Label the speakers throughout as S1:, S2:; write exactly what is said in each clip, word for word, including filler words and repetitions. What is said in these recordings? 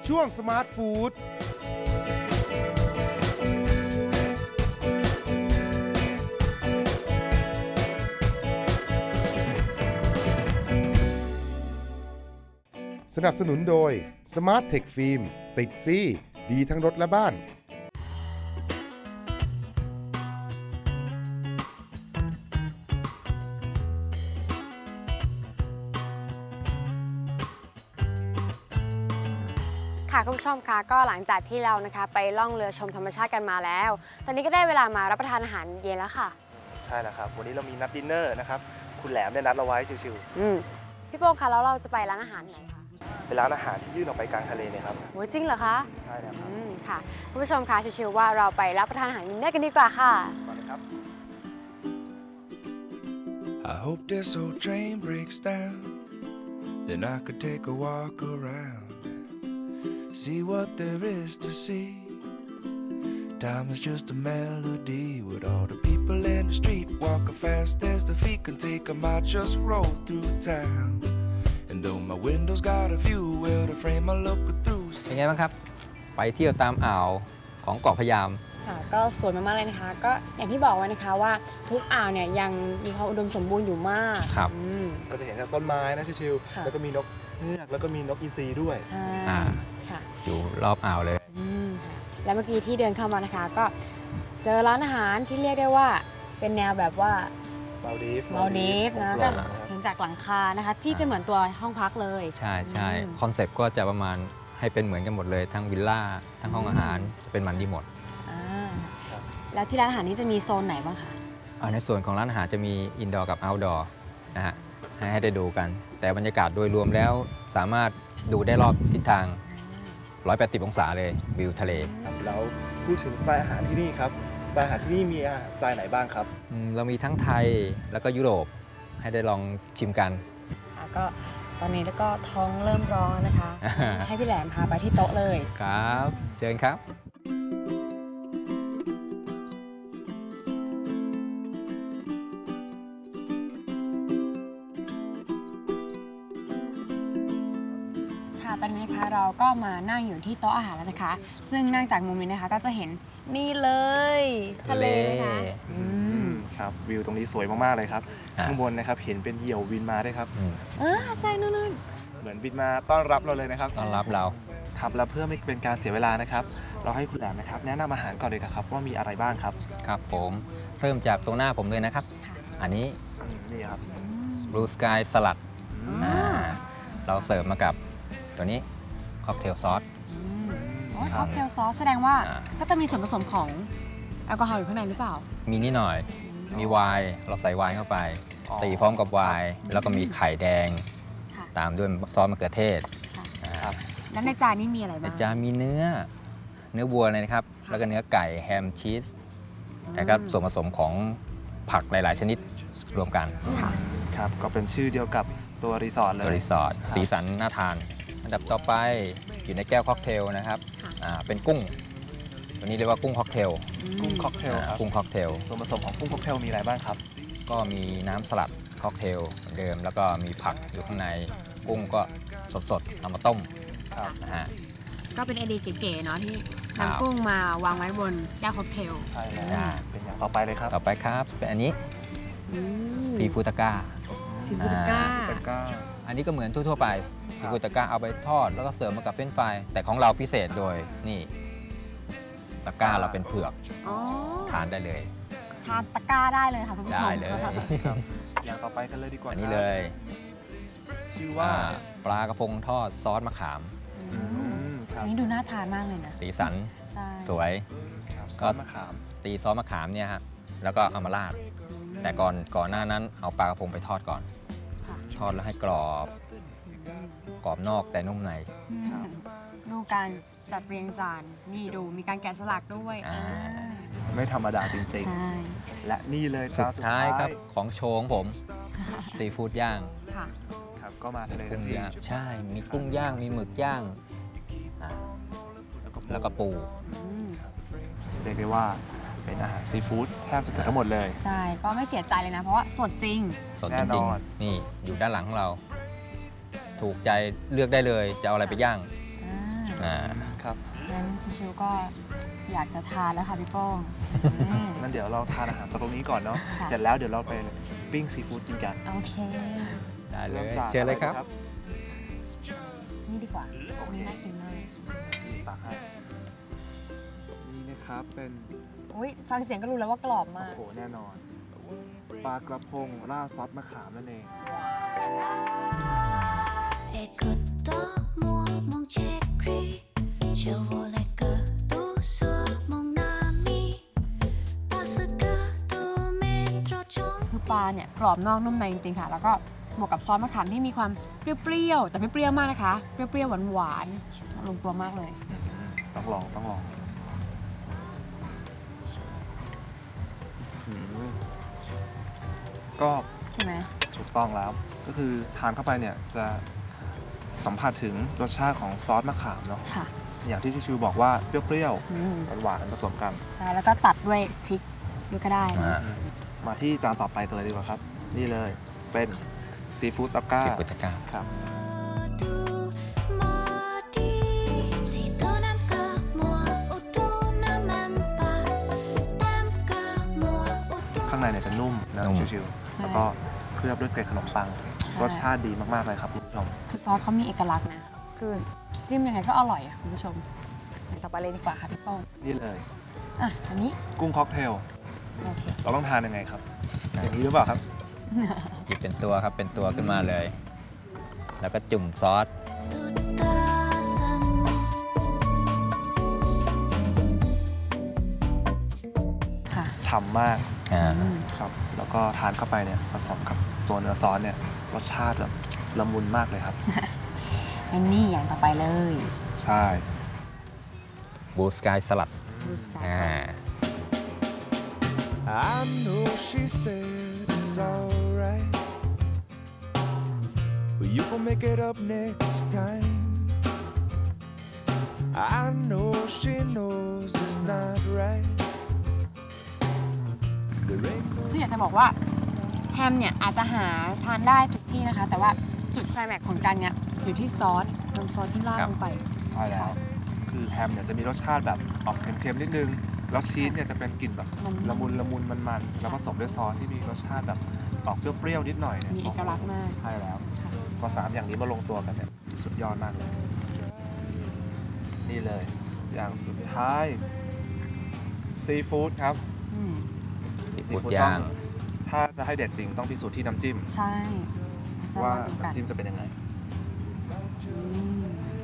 S1: ช่วงสมาร์ทฟู้ดสนับสนุนโดย Smart Tech Film ติดซี่ดีทั้งรถและบ้าน
S2: ค่ะคุณผู้ชมคะก็หลังจากที่เรานะคะไปล่องเรือชมธรรมชาติกันมาแล้วตอนนี้ก็ได้เวลามารับประทานอาหารเย็นแล้วค่ะ
S3: ใช่แล้วครับวันนี้เรามีนัดดินเนอร์นะครับคุณแหลมได้นัดเราไว้ชิว
S2: ๆอืมพี่โป้งคะแล้วเราจะไปร้านอาหารไหนคะ
S3: เป็นร้านอาหารที่ยื่นออกไปกลางทะเลเนี่ยครับ
S2: โหจริงเหรอคะ
S3: ใช่แล้วครับ
S2: อืมค่ะคุณผู้ชมคะชิวๆว่าเราไปรับประทานอาหารดินเนอร์กันดีกว่าค่ะ
S3: มาเลยครับ
S4: I hope this old train breaks down then I could take a walk around see what there is to see time is just a melody with all the people in the street walking fast as the feet can take them I just roll through town and though my window's got a view well the frame I look through
S5: เป็นไงบ้างครับไปเที่ยวตามอ่าวของเกาะพะยาม
S2: ค่ะก็สวยมากๆเลยนะคะก็อย่างที่บอกไว้นะคะว่าทุกอ่าวเนี่ยยังมีความอุดมสมบูรณ์อยู่มาก
S5: ครับ
S3: ก็จะเห็นจากต้นไม้นะชิวๆแล้วก็มีนกเงือกแล้วก็มีนกอินทรีด้วย
S2: ใช่ค่ะ
S5: อยู่รอบอ่าวเลย
S2: แล้วเมื่อกี้ที่เดินเข้ามานะคะก็เจอร้านอาหารที่เรียกได้ว่าเป็นแนวแบบว่า
S3: มาลดีฟ
S2: มาลดีฟนะก็เห็นจากหลังคานะคะที่จะเหมือนตัวห้องพักเลย
S5: ใช่ใช่คอนเซ็ปต์ก็จะประมาณให้เป็นเหมือนกันหมดเลยทั้งวิลล่าทั้งห้องอาหารเป็นมันดีหมด
S2: แล้วที่ร้านอาหารนี้จะมีโซนไหนบ้างคะ
S5: ในส่วนของร้านอาหารจะมีอินดอร์กับเอาท์ดอร์นะฮะให้ได้ดูกันแต่บรรยากาศโดยรวมแล้วสามารถดูได้รอบทิศทางหนึ่งร้อยแปดสิบองศาเลยวิวทะเล
S3: แล้วพูดถึงสไตล์อาหารที่นี่ครับสไตล์อาหารที่นี่มีสไตล์ไหนบ้างครับ
S5: เรามีทั้งไทยแล้วก็ยุโรปให้ได้ลองชิมกัน
S2: ก็ตอนนี้แล้วก็ท้องเริ่มร้อนนะคะให้พี่แหลมพาไปที่โต๊ะเลย
S5: ครับเชิญครับ
S2: ตอนนี้นะคะเราก็มานั่งอยู่ที่โต๊ะอาหารแล้วนะคะซึ่งนั่งจากมุมนี้นะคะก็จะเห็นนี่เลยทะเลนะคะ
S3: อืมครับวิวตรงนี้สวยมากๆเลยครับข้างบนนะครับเห็นเป็นเหยี่ยวบินมาด้วยครับ
S2: เออใช่นู่น
S3: ๆเหมือนบินมาต้อนรับเราเลยนะครับ
S5: ต้อนรับเรา
S3: ครับแล้วเพื่อไม่เป็นการเสียเวลานะครับเราให้คุณแหลมนะครับแนะนำอาหารก่อนเลยครับว่ามีอะไรบ้างครับ
S5: ครับผมเริ่มจากตรงหน้าผมเลยนะครับอันนี้
S3: นี่ครับ
S5: Blue Sky สลัดเราเสิร์ฟมากับตัวนี้ค็อกเทลซอส
S2: ค็อกเทลซอสแสดงว่าก็จะมีส่วนผสมของแอลกอฮอล์อยู่ข้างในหรือเปล่า
S5: มีนิดหน่อยมีไวน์เราใส่ไวน์เข้าไปตีพร้อมกับไวน์แล้วก็มีไข่แดงตามด้วยซอสมะเขือเทศ
S2: แล้วในจานนี้มีอะไรบ้าง
S5: ในจานมีเนื้อเนื้อวัวเลยนะครับแล้วก็เนื้อไก่แฮมชีสแต่ก็ส่วนผสมของผักหลายๆชนิดรวมกัน
S3: ครับก็เป็นชื่อเดียวกับตัวรีสอร์ทเลย
S5: ตัวรีสอร์ทสีสันน่าทานอันดับต่อไปอยู่ในแก้วค็อกเทลนะครับเป็นกุ้งตัวนี้เรียกว่ากุ้งค็อกเทล
S3: กุ้งค็อกเทลครับ
S5: กุ้งค็อกเทล
S3: ส่วนผสมของกุ้งค็อกเทลมีอะไรบ้างครับ
S5: ก็มีน้ำสลัดค็อกเทลเหมือนเดิมแล้วก็มีผักอยู่ข้างในกุ้งก็สดๆเอามาต้มนะฮะ
S2: ก็เป็นไอเดียเก๋ๆเนาะที่นำกุ้งมาวางไว้บนแก้วค็อกเทล
S3: ใช่แล้วเป็นอย่างต่อไปเลยครับ
S5: ต่อไปครับเป็นอันนี้ซีฟูตาก้า
S2: ซีฟูตาก้า
S5: อันนี้ก็เหมือนทั่วๆไปซีฟูตาก้าเอาไปทอดแล้วก็เสิร์ฟมากับเฟรนช์ฟรายแต่ของเราพิเศษโดยนี่ตะก้าเราเป็นเผือกทานได้เลย
S2: ทานตะก้าได้เลยค่ะคุณผู้ชม
S5: ได้เลย
S3: อย่างต่อไปกันเลยดีกว่า
S5: อันนี้เลย
S3: ชื่อว่า
S5: ปลากระพงทอดซอสมะขาม
S2: อันนี้ดูน่าทานมากเลยนะ
S5: สีสันสวย
S3: ก็มะขาม
S5: ตีซอสมะขามเนี่ยฮะแล้วก็เอามาราดแต่ก่อนก่อนหน้านั้นเอาปลากระพงไปทอดก่อนทอดแล้วให้กรอบกรอบนอกแต่นุ่มใน
S2: ดูการจัดเรียงจานนี่ดูมีการแกะสลักด้วย
S3: ไม่ธรรมดาจริงๆและนี่เลย
S5: สุดท้ายครับของโชว์ของผมซีฟู้ดย่าง
S3: ครับก็มาทะเล
S5: กุ้งย่างใช่มีกุ้งย่างมีหมึกย่างแล้วก็ปู
S3: เรียกได้ว่าเป็นอาหารซีฟู้ดแทบจะเกือบทั้งหมดเลย
S2: ใช่ก็ไม่เสียใจเลยนะเพราะว่าสดจริง
S5: สดจริงนี่อยู่ด้านหลังของเราถูกใจเลือกได้เลยจะเอาอะไรไปย่างอ่า
S3: ครับ
S2: งั้นชิวๆก็อยากจะทานแล้วค่ะพี่โป้งอืม
S3: งั้นเดี๋ยวเราทานอาหารตรงนี้ก่อนเนาะ
S2: ค่ะ
S3: เสร็จแล้วเดี๋ยวเราไปปิ้งซีฟู้ดกินกัน
S2: โอเค
S5: ได้เล
S3: เริ่
S5: ย
S3: มจาก
S5: เชิญเลยครับ
S3: อะไ
S2: นี่ดีกว่านี่น่ากินมาก
S3: นี่ตักให้นี่นะครับเป็น
S2: อุ้ยฟังเสียงก็รู้แล้วว่ากรอบ
S3: โอ้
S2: มาก
S3: โหแน่นอนปลากระพงราดซอสมะขามนั่นเอง
S6: Écoute moi mon chéri, je voulais que tu sois mon ami, parce que tu m'es trop gentil.
S2: คือปลาเนี่ยกรอบนอกนุ่มในจริงๆค่ะ แล้วก็บวกกับซอสมะขามที่มีความเปรี้ยวๆ แต่ไม่เปรี้ยวมากนะคะ เปรี้ยวๆ หวานๆ ลงตัวมากเลย
S3: ต้องลองต้องลองอืมก็
S2: ใช่ไหม
S3: ถูกต้องแล้ว ก็คือทานเข้าไปเนี่ยจะสัมผัสถึงรสชาติของซอสมะขามเนาะ
S2: ค่ะ
S3: อย่างที่ชิวๆบอกว่าเปรี้ยว
S2: อืม
S3: ๆหวานๆผสมกัน
S2: ได้แล้วก็ตัดด้วยพริกด้วยก็ได้นะ
S5: อ่า
S3: มาที่จานต่อไปกันเลยดีกว่าครับ นี่เลยเป็นซีฟู้ดตะก้า
S5: สิบกุตกา
S3: ครับ
S6: Tu m'as dit si tu n'aimes que moi ou tu ne m'aimes pas, t'aimes que moi ou tu
S3: ข้างในเนี่ยจะนุ่มนะ
S5: นุ่ม
S3: ชิวๆแล้วก็เคลือบด้วยเกล็ดขนมปัง รสชาติดีมากๆเลยครับคุณผู้ชม
S2: คือซอสเขามีเอกลักษณ์นะ คือจิ้มยังไงก็อร่อยอ่ะคุณผู้ชมอย่างต่อไปเลยดีกว่าค่ะพี่โป้ง
S3: นี่เลย
S2: อ่ะ อันนี้
S3: กุ้งค็อกเทล
S2: โอเค
S3: เราต้องทานยังไงครับ อย่างนี้หรือเปล่าครับ
S5: หยิบเป็นตัวครับ เป็นตัวขึ้นมาเลย แล้วก็จุ่มซอส
S6: toute seule.
S2: ค่ะ
S3: ฉ่ำมาก
S5: อ่า
S2: อืม
S3: ครับ แล้วก็ทานเข้าไปเนี่ยผสมกับตัวเนื้อซอสเนี่ยรสชาติแบบละมุนมากเลยครับ
S2: งั้นนี่อย่างต่อไปเลย
S3: ใช่
S5: บูสกายสลัด
S2: ดูสกาย
S5: อ่า
S4: I know she said it's alright, but you can make it up next time. I know she knows it's not right. There ain't no
S2: คืออยากจะบอกว่าแฮมเนี่ยอาจจะหาทานได้ทุกที่นะคะ แต่ว่าจุดไคลแม็กซ์ของจานเนี้ยอยู่ที่ซอสน้ำซอสที่ราด
S5: ครับ
S2: ลงไป
S3: ใช่แล้ว คือแฮมเนี่ยจะมีรสชาติแบบออกเค็มๆนิดนึง แล้วชีสเนี่ยจะเป็นกลิ่นแบบ
S2: มัน
S3: ละมุนละมุนมันๆ แล้วผสมด้วยซอสที่มีรสชาติแบบออกเปรี้ยวๆนิดหน่อยเนี่ย
S2: มีเอกลักษณ์มาก
S3: ใช่แล้วพอสามอย่างนี้มาลงตัวกันเนี่ยสุดยอดมากเลย นี่เลย อย่างสุดท้ายซีฟู้ดครับ
S2: อืม
S5: ซีฟู้ดย่าง
S3: ถ้าจะให้เด็ดจริงต้องพิสูจน์ที่น้ำจิ้ม
S2: ใช่จะ
S3: ว่า
S2: ลองดูกัน
S3: น้ำจิ้มจะเป็นยังไง
S2: อืม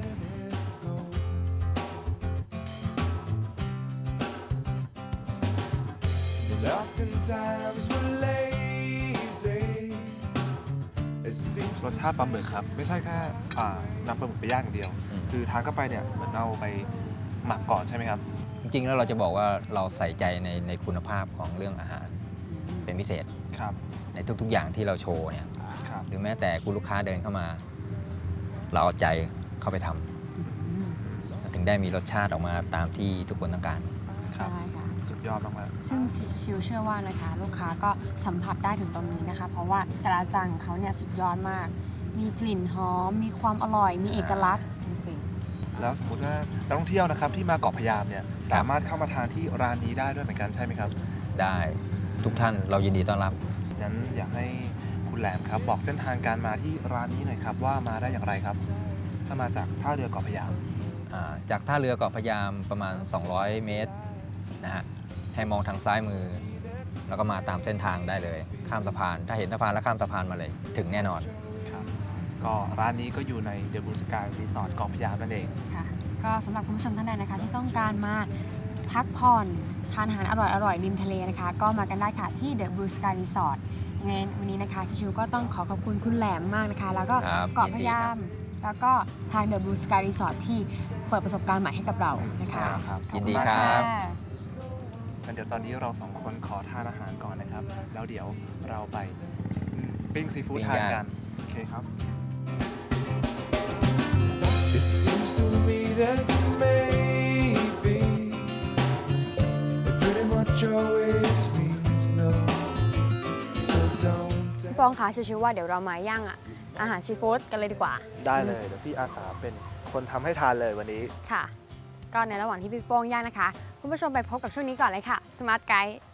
S4: And oftentimes we're lazy. It seems
S3: รสชาติปลาหมึกครับ ไม่ใช่แค่อ่านำปลาหมึกไปย่างอย่างเดียว
S5: อืม
S3: คือทานเข้าไปเนี่ยเหมือนเอาไปหมักก่อนใช่ไหมครับ
S5: จริงๆ แล้วเราจะบอกว่าเราใส่ใจในในคุณภาพของเรื่องอาหารเป็นพิเศษ
S3: ครับ
S5: ในทุกๆ อย่างที่เราโชว์เนี่ย
S3: ครับ
S5: หรือแม้แต่คุณลูกค้าเดินเข้ามา เราเอาใจเข้าไปทำ
S2: อืม
S5: ถึงได้มีรสชาติออกมาตามที่ทุกคนต้องการ
S3: ครับ
S2: ใช่ค่ะ
S3: สุดยอดมาก
S2: ซึ่งชิวเชื่อว่านะคะ ลูกค้าก็สัมผัสได้ถึงตรงนี้นะคะ เพราะว่าแต่ละจานของเขาเนี่ยสุดยอดมาก มีกลิ่นหอม มีความอร่อย มีเอกลักษณ์จริง
S3: ๆ แล้วสมมติว่านักท่องเที่ยวนะครับที่มาเกาะพะยามเนี่ยสามารถเข้ามาทานที่ร้านนี้ได้ด้วยเหมือนกันใช่ไหมครับ
S5: ได้ทุกท่านเรายินดีต้อนรับ
S3: งั้นอยากให้คุณแหลมครับบอกเส้นทางการมาที่ร้านนี้หน่อยครับว่ามาได้อย่างไรครับ ถ้ามาจากท่าเรือเกาะพะยาม
S5: อ่าจากท่าเรือเกาะพะยามประมาณ สองร้อย เมตรนะฮะให้มองทางซ้ายมือ แล้วก็มาตามเส้นทางได้เลย ข้ามสะพาน ถ้าเห็นสะพานแล้วข้ามสะพานมาเลย ถึงแน่นอน
S3: ครับ ก็ร้านนี้ก็อยู่ในเดอะบูสกายรีสอร์ทเกาะพะยามนั่นเอง
S2: ๆ ค่ะ ก็สำหรับคุณผู้ชมท่านใดนะคะ ที่ต้องการมาพักผ่อนทานอาหารอร่อยๆริมทะเลนะคะ ก็มากันได้ค่ะที่ The Blue Sky Resort ยังไงวันนี้นะคะชิวๆก็ต้องขอขอบคุณคุณแหลมมากนะคะ แล้วก็
S5: ครับ
S2: เกาะพะยา
S5: ยินดีครั
S2: ม
S5: บ
S2: แล้วก็ทาง The Blue Sky Resort ที่เปิดประสบการณ์ใหม่ให้กับเรานะคะ
S3: ครับ
S5: ยินดี
S3: ขอณ
S5: ค
S3: มาก
S5: รับ
S2: ค่ะ
S3: งั้นเดี๋ยวตอนนี้เราสองคนขอทานอาหารก่อนนะครับ แล้วเดี๋ยวเราไปปิ้งซีฟู้ด
S5: ปิ้ง
S3: ทาน
S5: ย่าง
S3: กัน โอเคครับ
S4: It seems to me that maybe it pretty much always means no. So don't
S2: พี่ปองคะชิวๆว่าเดี๋ยวเรามาย่างอ่ะอาหารซีฟู้ดกันเลยดีกว่า
S3: ได้เลยเดี๋ยวพี่อาสาเป็นคนทำให้ทานเลยวันนี้
S2: ค่ะ ก็ในระหว่างที่พี่โป้งย่างนะคะ คุณผู้ชมไปพบกับช่วงนี้ก่อนเลยค่ะ Smart Guide